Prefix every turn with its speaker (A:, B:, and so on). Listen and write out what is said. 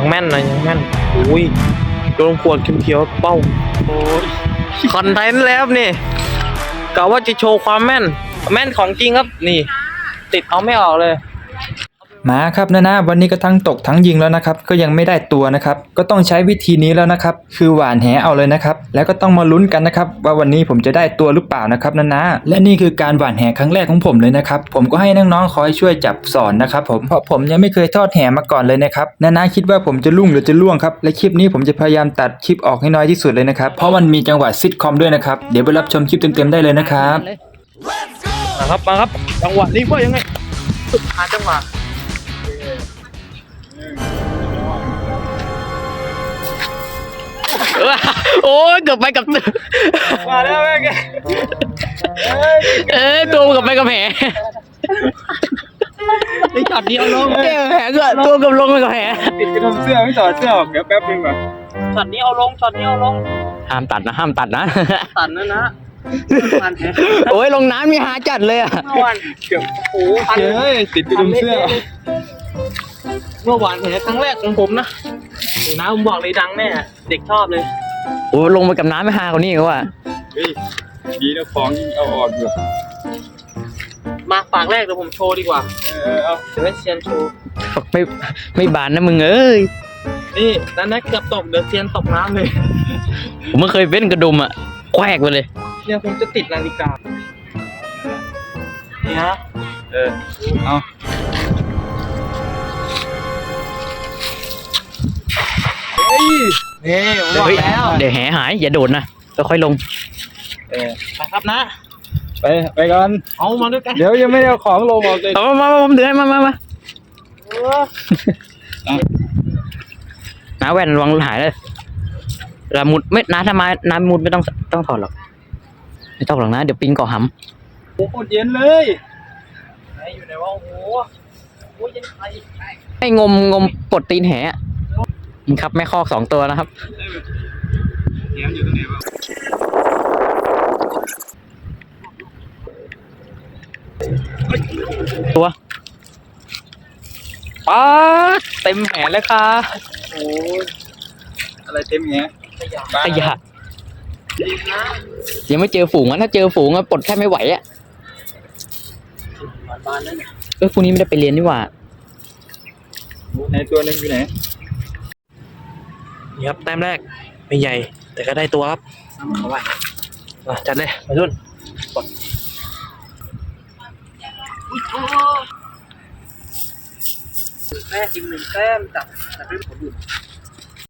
A: แม่นนะยังแม่นอุ้ยโดนขวดเขียวๆเป้าโอ้ยคอนเทนต์แล้วนี่กะว่าจะโชว์ความแม่นของจริงครับนี่ติดเอาไม่ออกเลย
B: มาครับนะวันนี้ก็ทั้งตกทั้งยิงแล้วนะครับก็ยังไม่ได้ตัวนะครับก็ต้องใช้วิธีนี้แล้วนะครับคือหว่านแหเอาเลยนะครับแล้วก็ต้องมาลุ้นกันนะครับว่าวันนี้ผมจะได้ตัวหรือเปล่านะครับนะและนี่คือการหว่านแหครั้งแรกของผมเลยนะครับผมก็ให้น้องๆคอยช่วยจับสอนนะครับผมเพราะผมยังไม่เคยทอดแหมาก่อนเลยนะครับนะคิดว่าผมจะลุ่งหรือจะล่วงครับและคลิปนี้ผมจะพยายามตัดคลิปออกให้น้อยที่สุดเลยนะครับเพราะมันมีจังหวะซิทคอมด้วยนะครับเดี๋ยวไปรับชมคลิปเต็มๆได้เลยนะครับ
A: มาครับจังหวะนี้ว่ายังไงหาจังหวะโอ้ยเกือบไปกับมาแล้วแม่แกตัวกับไปกับแผลไอ้จับเดียวลงแผลเกือบตัวกับลงไปกับแผล
B: ติดกระดุมเสื้อไม่ต่อเสื้อออกเดี๋ยวแป๊บนึงก่อน
A: ช็อตนี้เอาลงห้ามตัดนะตัดนะโอ้ยลงน้ำมีหาจัดเลยอ่ะเมื่อวาน
B: เกือบโอ้ยติดกระดุมเสื้อ
A: เมื่อวานเห็นครั้งแรกของผมนะน้าผมบอกเลยดังแน่เด็กชอบเลยโอ้ลงไปกับน้ำไม่หากว่านี้ก็ว่า
B: ดีนะของยิ่งเอาออกอยู่
A: มาปากแรกเดี๋ยวผมโชว์ดีกว่าเอาเดี๋ยวให้เซียนโชว์ไม่บานนะมึงนี่นั่นนะเกือบตกเดี๋ยวเซียนตกน้ำเลยผมไม่เคยเป็นกระดุมอ่ะแควกไปเลยเนี่ยผมจะติดนาฬิกานี่ฮะ
B: เอา
A: นี่ผมบอกแล้วเดี๋ยวแหหายอย่าโดดนะค่อยลงไปครับนะ
B: ไปก่อน
A: เอามาด้วยกัน
B: เดี๋ยวยังไม่ได้เอาของลงออกเลย
A: มาผมเดือดมาน้าแว่นวางหายเลยน้ามุดไม่น้าทำไมน้ามุดไม่ต้องถอดหรอกไม่ต้องหรอกนะเดี๋ยวปิงเกาะหำ
B: โอ้โหเย็นเลย
A: ไหนอยู่ไหนวะโอ้โหเย็นไปให้งมปลดตีนแหนี่ครับแม่คอก2 ตัวนะครับ
B: แหอยู่ตรงไหนวะ
A: ตัวป๊าเต็มแหเลยค่ะ
B: โอ้อะไรเต็มแห
A: ขยะยังไม่เจอฝูงถ้าเจอฝูงปลดแค่ไม่ไหวพรุ่งนี้ไม่ได้ไปเรียนนี่หว่า
B: ไหนตัวนึงอยู่ไหน
A: นี่ครับแต้มแรกไม่ใหญ่แต่ก็ได้ตัวครับเอาไว้จัดเลยไปรุ่นแม่กิน1 แต้มจับด้วยผลบุญ